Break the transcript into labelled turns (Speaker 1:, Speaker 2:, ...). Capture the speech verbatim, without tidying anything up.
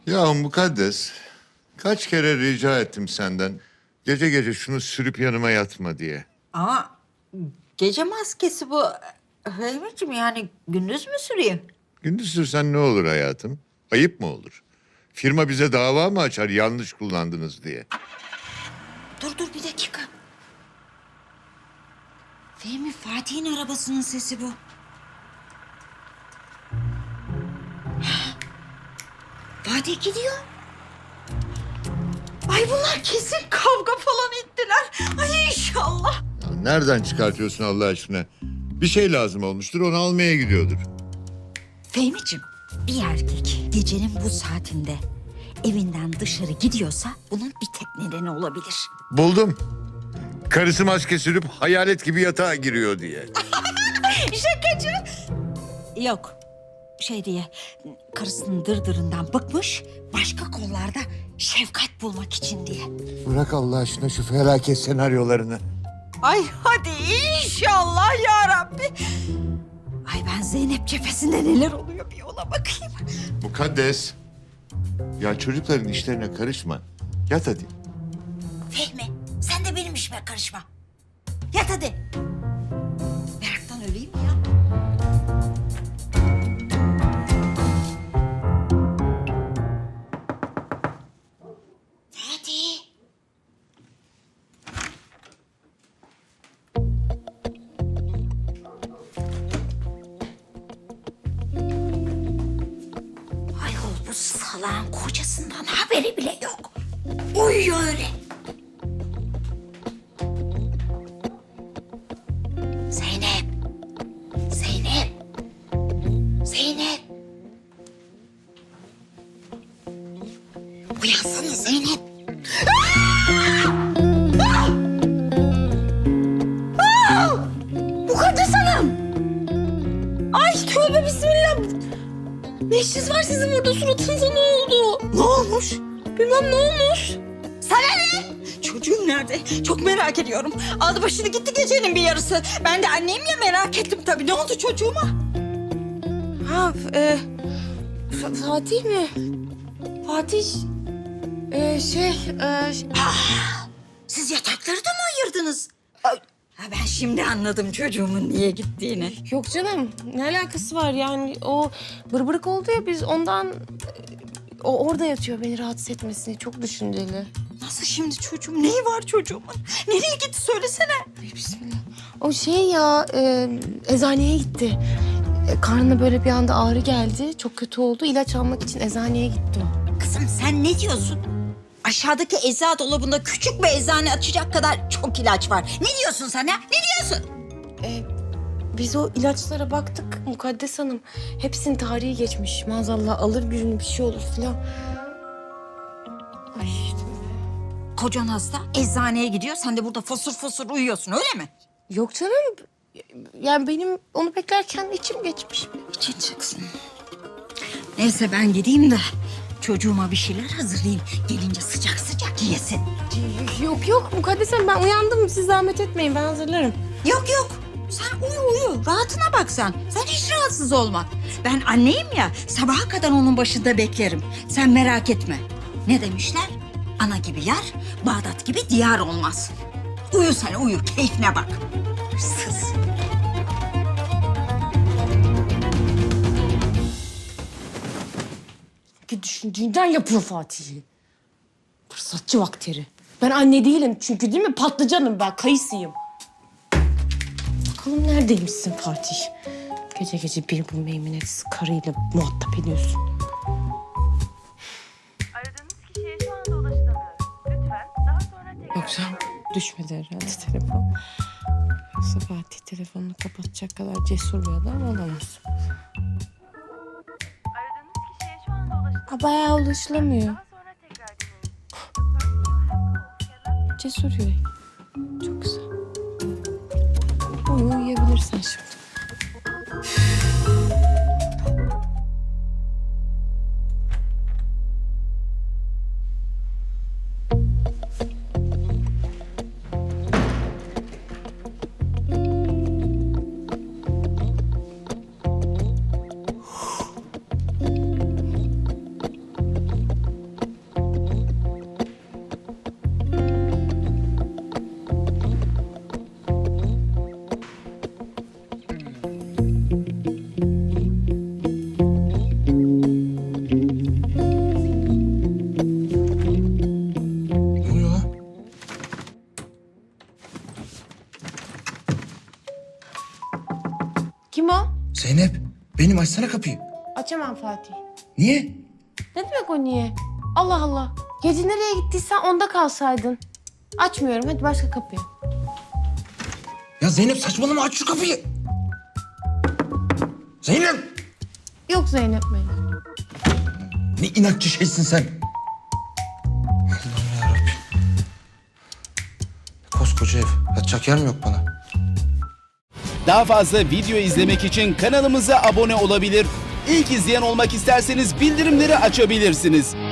Speaker 1: Ya mukaddes, kaç kere rica ettim senden. Gece gece şunu sürüp yanıma yatma diye.
Speaker 2: Ama gece maskesi bu. Fehmi'ciğim yani gündüz mü süreyim?
Speaker 1: Gündüz sürsen ne olur hayatım? Ayıp mı olur? Firma bize dava mı açar yanlış kullandınız diye?
Speaker 2: Dur dur bir dakika. Fehmi, Fatih'in arabasının sesi bu. Fatih gidiyor. Ay bunlar kesin kavga falan ettiler. Ay inşallah.
Speaker 1: Ya nereden çıkartıyorsun Allah aşkına? Bir şey lazım olmuştur, onu almaya gidiyordur.
Speaker 2: Fehmi'ciğim, bir erkek gecenin bu saatinde evinden dışarı gidiyorsa bunun bir tek nedeni olabilir.
Speaker 1: Buldum. Karısı maske sürüp hayalet gibi yatağa giriyor diye.
Speaker 2: Şakacı. Yok. Şey diye karısının dırdırından bıkmış, başka kollarda şefkat bulmak için diye.
Speaker 1: Bırak Allah aşkına şu felaket senaryolarını.
Speaker 2: Ay hadi inşallah ya Rabbi. Ay ben Zeynep cephesinde neler oluyor bir ona bakayım.
Speaker 1: Mukaddes. Ya çocukların işlerine karışma. Yat hadi.
Speaker 2: Fehmi sen de benim işime karışma. Yat hadi. Meraktan öleyim mi ya? Fatih. Ayol bu salağın kocasından haberi bile yok. Uyuyor öyle. Zeynep. Zeynep. Zeynep. Uyansana Zeynep. Mukaddes Hanım. Ay tövbe bismillah. Ne işiniz var sizin burada, suratınıza ne oldu? Ne olmuş? Bilmem ne olmuş. Sana ne? Çocuğum nerede? Çok merak ediyorum. Aldı başını gitti gecenin bir yarısı. Ben de anneyim ya, merak ettim tabii. Ne oldu çocuğuma?
Speaker 3: Ha, e, F- Fatih mi? Fatih, e, şey, e, ş-
Speaker 2: Siz yatakları da mı ayırdınız? Ay, ha, ben şimdi anladım çocuğumun niye gittiğini.
Speaker 3: yok canım, ne alakası var yani o bırbırık oldu ya biz ondan, e, o orada yatıyor beni rahatsız etmesini, çok düşünceli.
Speaker 2: Nasıl şimdi çocuğum? Neyi var çocuğumun? Nereye gitti söylesene.
Speaker 3: Ay, bismillah. O şey ya, e, eczaneye gitti. E, karnına böyle bir anda ağrı geldi, çok kötü oldu. İlaç almak için eczaneye gitti o.
Speaker 2: Kızım sen ne diyorsun? Aşağıdaki eczacı dolabında küçük bir eczane açacak kadar çok ilaç var. Ne diyorsun sen ya? Ne diyorsun?
Speaker 3: E, biz o ilaçlara baktık Mukaddes Hanım. Hepsinin tarihi geçmiş. Maazallah alır birini bir şey olur filan. Ay işte.
Speaker 2: Kocan hasta, eczaneye gidiyor. Sen de burada fosur fosur uyuyorsun, öyle mi?
Speaker 3: Yok canım. Yani benim onu beklerken içim geçmiş.
Speaker 2: İçin çıksın. Neyse ben gideyim de çocuğuma bir şeyler hazırlayayım. Gelince sıcak sıcak yesin.
Speaker 3: Yok yok Mukaddes Hanım, ben uyandım. Siz zahmet etmeyin, ben hazırlarım.
Speaker 2: Yok yok. Sen uyu uyu. Rahatına bak sen. Sen hiç rahatsız olma. Ben anneyim ya, sabaha kadar onun başında beklerim. Sen merak etme. Ne demişler? Ana gibi yar, Bağdat gibi diyar olmaz. Uyu sen uyu, keyfine bak. Hırsız.
Speaker 3: Ki düşündüğünden yapıyor Fatih'i. Fırsatçı vakteri. Ben anne değilim çünkü, değil mi? Patlıcanım ben, kayısıyım. Bakalım neredeymişsin Fatih? Gece gece bir bu meymenetsiz karıyla muhatap ediyorsun.
Speaker 4: Aradığınız kişiye şu anda ulaşılamıyor. Lütfen daha sonra tekrar...
Speaker 3: Yoksa düşmedi herhalde telefon. Yoksa Fatih telefonunu kapatacak kadar cesur bir adam olamaz.
Speaker 4: Aradığınız kişiye şu anda ulaşılamıyor.
Speaker 3: Ha, bayağı ulaşılamıyor.
Speaker 4: Daha sonra tekrar deneyin.
Speaker 3: Cesur yürek. Çok güzel. Uyu, uyuyabilirsen şimdi.
Speaker 5: açsana kapıyı.
Speaker 3: Açamam Fatih.
Speaker 5: Niye?
Speaker 3: Ne demek o niye? Allah Allah. Gece nereye gittiysen onda kalsaydın. Açmıyorum. Hadi başka kapıyı.
Speaker 5: Ya Zeynep saçmalama, aç şu kapıyı. Zeynep!
Speaker 3: Yok Zeynep Bey.
Speaker 5: Ne inatçı şeysin sen. Allah'ım yarabbim. Koskoca ev. Yatacak yer mi yok bana?
Speaker 6: Daha fazla video izlemek için kanalımıza abone olabilir. İlk izleyen olmak isterseniz bildirimleri açabilirsiniz.